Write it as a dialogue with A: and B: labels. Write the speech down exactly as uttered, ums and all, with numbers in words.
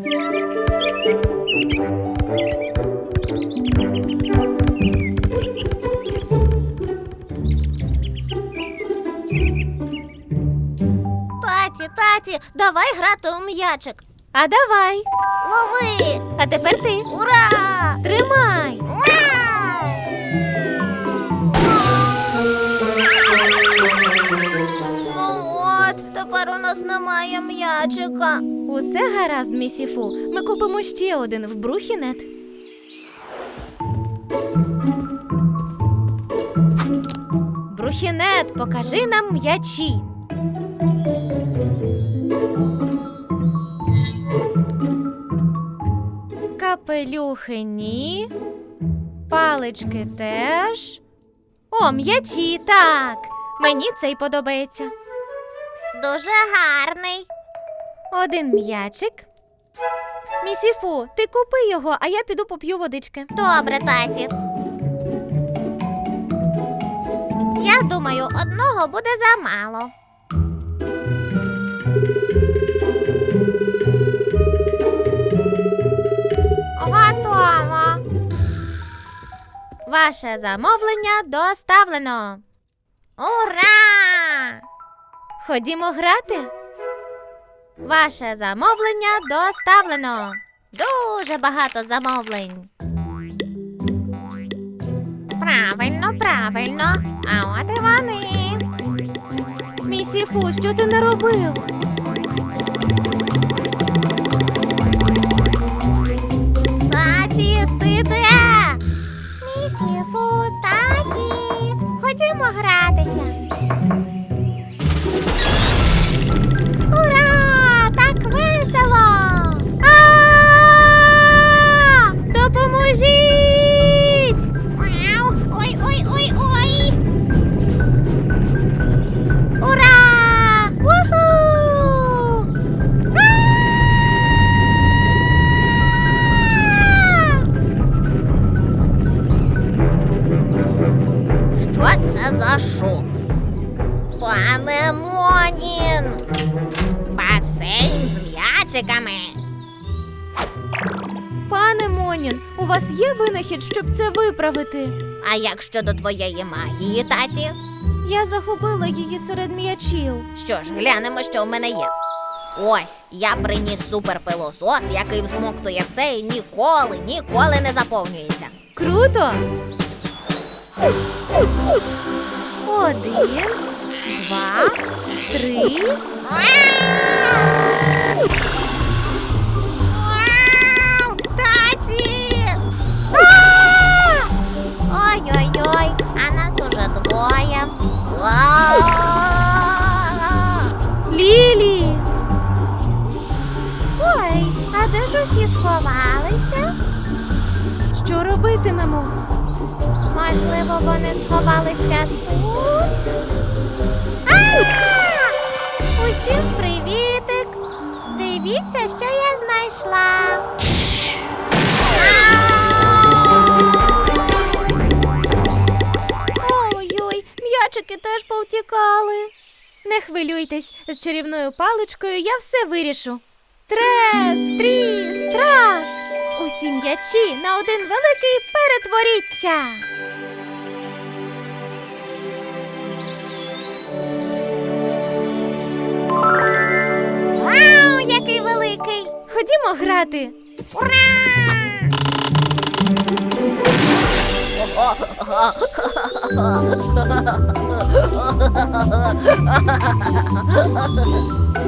A: Таті, таті, давай грати у м'ячик.
B: А давай.
A: Лови!
B: А тепер ти.
A: Ура!
B: Тримай.
A: Ну от, тепер у нас немає м'ячика.
B: Усе гаразд, місіфу. Ми купимо ще один в Брухінет. Брухінет, покажи нам м'ячі. Капелюхи ні. Палички теж. О, м'ячі, так. Мені цей подобається.
A: Дуже гарний.
B: Один м'ячик. Місіфу, ти купи його, а я піду поп'ю водички.
A: Добре, таті. Я думаю, одного буде замало. Готово.
B: Ваше замовлення доставлено.
A: Ура!
B: Ходімо грати. Ваше замовлення доставлено.
A: Дуже багато замовлень. Правильно, правильно. А от і вони.
B: Місіфу, що ти наробив?
A: Таті, ти де? Місіфу, таті. Ходімо гратися. Ура! Так весело!
B: А! Допоможіть!
A: Вау! Ой, ой, ой, ой! Ура! Уху! Що це за шум? Пане Монін! Басейн з м'ячиками.
B: Пане Монін, у вас є винахід, щоб це виправити?
A: А як щодо твоєї магії, таті?
B: Я загубила її серед м'ячів.
A: Що ж, глянемо, що в мене є. Ось, я приніс суперпилосос, який всмоктує все і ніколи, ніколи не заповнюється.
B: Круто! Один, два, три.
A: Вау! Таті! Ой-ой-ой, а нас уже двоє. Вау!
B: Лілі!
A: Ой, а де ж усі сховалися?
B: Що робитимемо?
A: Можливо, вони сховалися тут? А! Усім привітик! Дивіться, що я знайшла.
B: Ой-ой, м'ячики теж повтікали. Не хвилюйтесь, з чарівною паличкою я все вирішу. Трес, тріс, трас! Усі м'ячі на один великий перетворіться!
A: Вау, який великий!
B: Ходімо грати!
A: Ура!